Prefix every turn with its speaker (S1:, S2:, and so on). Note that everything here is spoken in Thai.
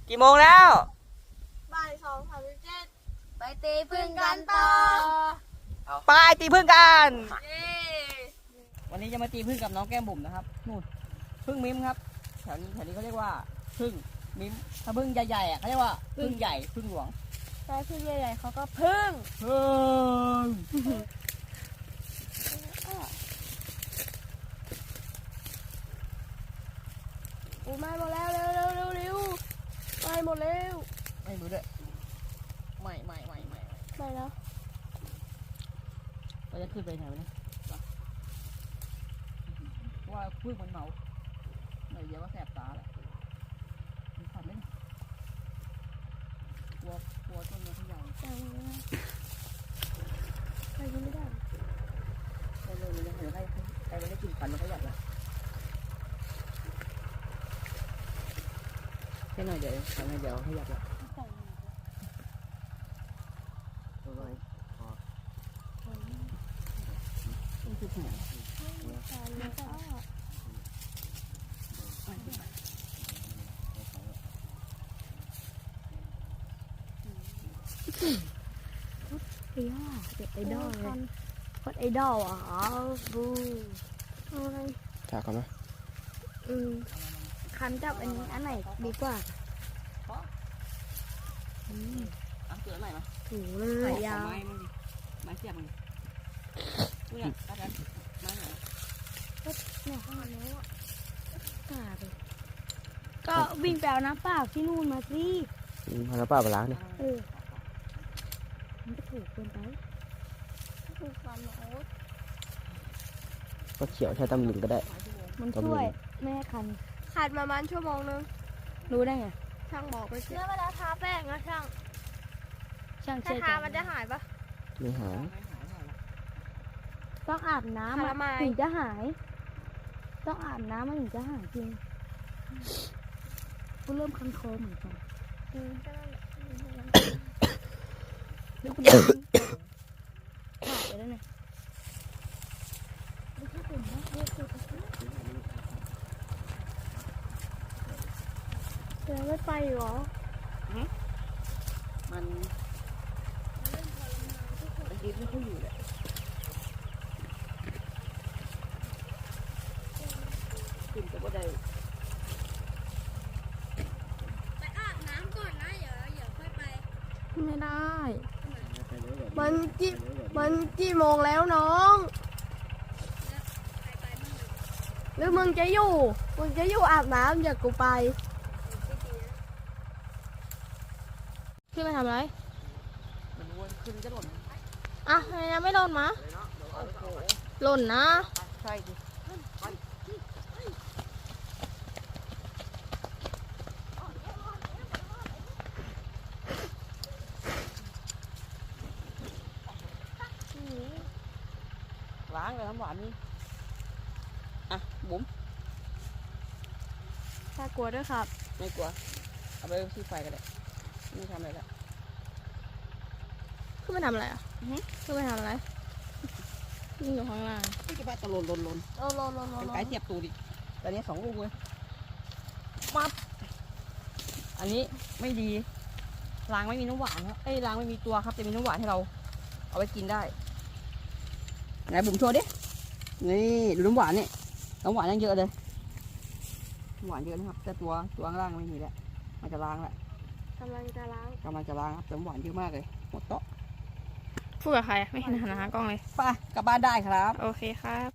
S1: กี่โมงแล้ว
S2: บ่าย2:37ไปตีพึ่งกันต่อ
S1: ไปตีพึ่งกัน
S2: เย้
S1: วันนี้จะมาตีพึ่งกับน้องแก้มบุ๋มนะครับนู่นพึ่งมิ้มครับแถวนี้เขาเรียกว่าพึ่งมิ้มถ้าพึ่งใหญ่ๆอ่ะเขาเรียกว่าพึ่งใหญ่พึ่งหลวง
S2: ใช่พึ่งใหญ่ๆเขาก็พึ่ง
S1: พึ่ง
S2: โอ้ไม่หมดแล้วเร็วไม่หมดแล้ว
S1: ไม่รู้ด้วยไม่
S2: ไม่แล้ว
S1: เราจะขึ้นไปไหนวะเนี่ยว่าพึ่งมันเมาหน่อยเดียวก็แสบตาแหละมีขันไหมกลัวต้นไม้ที่ใหญ่
S2: ไปกินไม่ได้
S1: เร็วๆเดี๋ยวใครไม่ได้กินฟันมันก็หยับละแค่หน่อยเดี๋ยวทำให้เดี๋ยวให้หยับละนี่คือแผล
S2: เด็กไอดอลเลยโคตรไอดอลอ่ะบูอะไร
S3: จากก่อนไหม
S2: คันจับอันไหนดีกว่า
S1: เกลือหน่อยมั้ย
S2: ถูเลยยาว
S1: ไม้มันดิไม้เสียบมันนี่เนี่ยอาจารย์ไม้ไหน
S2: เนี่ยข้างในนี้กาดก็วิ่งไปเอาน้ำเปล่าที่นู่นมาสิ
S3: พาน้ำเปล่าไปล้างเนี่ย
S2: มันจะถูกเกินไปถูกความโอ๊ต
S3: ก็เขียวใช้ตำลึงก็ได้
S2: มันช่วยไม่ให้คันขาดประมาณชั่วโมงนึงรู้ได้ไงช่างบอกไปสิแล้วเวลาทาแป้งนะช่างถ้าทามันจะหายปะ
S3: ไม่หาย
S2: ต้องอาบน้ำถึงจะหายต้องอาบน้ำมันถึงจะหายจริงกูเริ่มคันคอเหมือนกันดูคุณถ่ายไปแล้วเนี่ยเดี๋ยวไม่ไปหรอ
S1: มันยืดไม่ค่อยอยู่เลยขึ้นจะบ่ได้
S2: ไปอาบน้ำก่อนนะเดี๋ยวค่อยไปไม่ได้ มันกี่โมงแล้วน้องหรือมึงจะอยู่อาบน้ำอย่ากูไปขึ้นไปทำอะไร
S1: มันวนขึ้นจะหล่น
S2: อ่ะทำไมยังไม่หล่นมาหล่นนะ
S1: ใช่ดิล้างเลยน้ำหวานนี่อ่ะบุ๋ม
S2: ถ้ากลัวด้วยครับ
S1: ไม่กลัวเอาไปที่ไฟกันเลยไม่ทำอะไรละ
S2: ขึ้นไปทำอะไรอ่ะขึ้นไปทำอะไรนี่อยู่ข้างล่าง
S1: ไม่จะไปตะลนเป็นไก่เสียบตูดิตอนนี้2 ลูกเลยปั๊บอันนี้ไม่ดีรางไม่มีน้ำหวานครับรางไม่มีตัวครับจะมีน้ำหวานให้เราเอาไปกินได้ไหนบุ๋มโชว์ดินี่ดูน้ำหวานนี่น้ำหวานยังเยอะเลยน้ำหวานเยอะนะครับแต่ตัวข้างล่างไม่มีแล้วมันจะล้างแล้ว
S2: กำลังจะล้าง
S1: ครับแต่น้ำหวานเยอะมากเลยหมดโต๊ะ
S2: พูดกับใครไม่เห็นหันหากล้องเลย
S1: ไปกลับบ้านได้ครับ
S2: โอเคครับ